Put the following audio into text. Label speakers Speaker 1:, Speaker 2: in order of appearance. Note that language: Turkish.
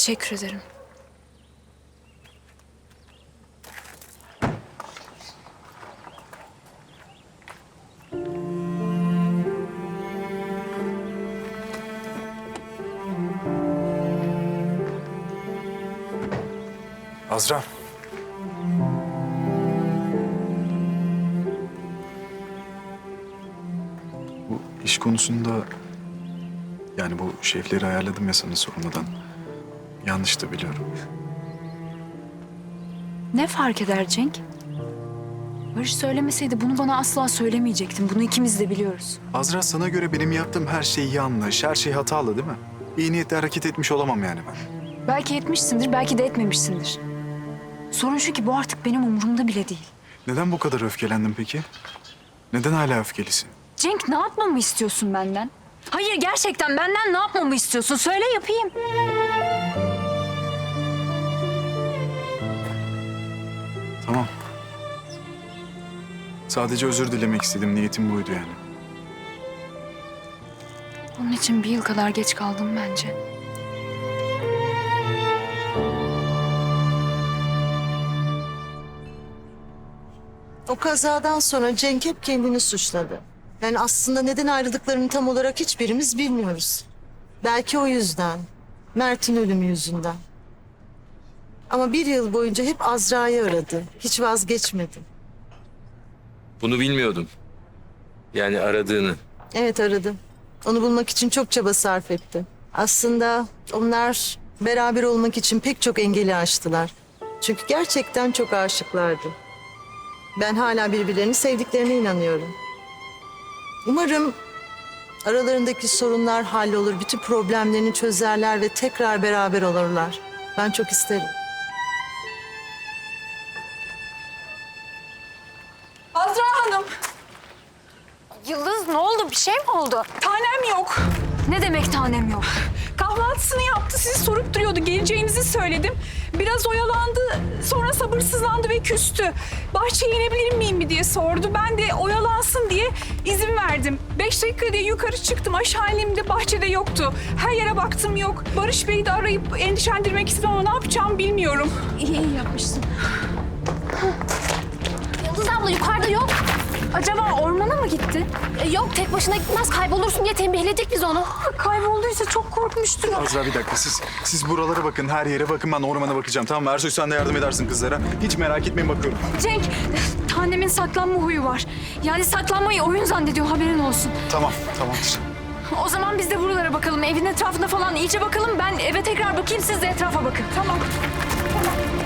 Speaker 1: Teşekkür ederim.
Speaker 2: Azra. Bu iş konusunda yani bu şefleri ayarladım ya sana sormadan. Yanlış da biliyorum.
Speaker 1: Ne fark eder Cenk? Barış söylemeseydi bunu bana asla söylemeyecektin. Bunu ikimiz de biliyoruz.
Speaker 2: Azra, sana göre benim yaptığım her şey yanlış, her şey hatalı değil mi? İyi niyetle hareket etmiş olamam yani ben.
Speaker 1: Belki etmişsindir, belki de etmemişsindir. Sorun şu ki bu artık benim umurumda bile değil.
Speaker 2: Neden bu kadar öfkelendin peki? Neden hala öfkelisin?
Speaker 1: Cenk, ne yapmamı istiyorsun benden? Hayır, gerçekten benden ne yapmamı istiyorsun? Söyle, yapayım.
Speaker 2: Tamam. Sadece özür dilemek istedim. Niyetim buydu yani.
Speaker 1: Onun için bir yıl kadar geç kaldım bence.
Speaker 3: O kazadan sonra Cenk hep kendini suçladı. Yani aslında neden ayrıldıklarını tam olarak hiçbirimiz bilmiyoruz. Belki o yüzden. Mert'in ölümü yüzünden. Ama bir yıl boyunca hep Azra'yı aradı. Hiç vazgeçmedi.
Speaker 4: Bunu bilmiyordum. Yani aradığını.
Speaker 3: Evet, aradı. Onu bulmak için çok çaba sarf etti. Aslında onlar beraber olmak için pek çok engeli aştılar. Çünkü gerçekten çok aşıklardı. Ben hala birbirlerini sevdiklerine inanıyorum. Umarım aralarındaki sorunlar hallolur, bütün problemlerini çözerler ve tekrar beraber olurlar. Ben çok isterim.
Speaker 5: Azra Hanım,
Speaker 1: Yıldız, ne oldu? Bir şey mi oldu?
Speaker 5: tanem yok.
Speaker 1: Ne demek tanem yok?
Speaker 5: Kahvaltısını yaptı, sizi sorup duruyordu. Geleceğinizi söyledim. Biraz oyalandı, sonra sabırsızlandı ve küstü. Bahçeye inebilir miyim mi diye sordu. Ben de oyalansın diye izin verdim. 5 dakika diye yukarı çıktım. Aşağı indiğimde bahçede yoktu. Her yere baktım, yok. Barış Bey'i de arayıp endişelendirmek istedim ama ne yapacağımı bilmiyorum.
Speaker 1: İyi yapmışsın.
Speaker 6: Yıldız abla yukarıda yok.
Speaker 1: Acaba ormana mı gitti?
Speaker 6: Yok, tek başına gitmez, kaybolursun diye tembihledik biz onu.
Speaker 1: Kaybolduysa çok korkmuştur.
Speaker 2: Azra, bir dakika. Siz buralara bakın, her yere bakın. Ben ormana bakacağım, tamam mı? Ersoy, sen de yardım edersin kızlara. Hiç merak etmeyin, bakıyorum.
Speaker 1: Cenk, tanemin saklanma huyu var. Yani saklanmayı oyun zannediyor, haberin olsun.
Speaker 2: Tamam, tamamdır.
Speaker 1: O zaman biz de buralara bakalım. Evin etrafına falan iyice bakalım. Ben eve tekrar bakayım, siz de etrafa bakın.
Speaker 5: Tamam.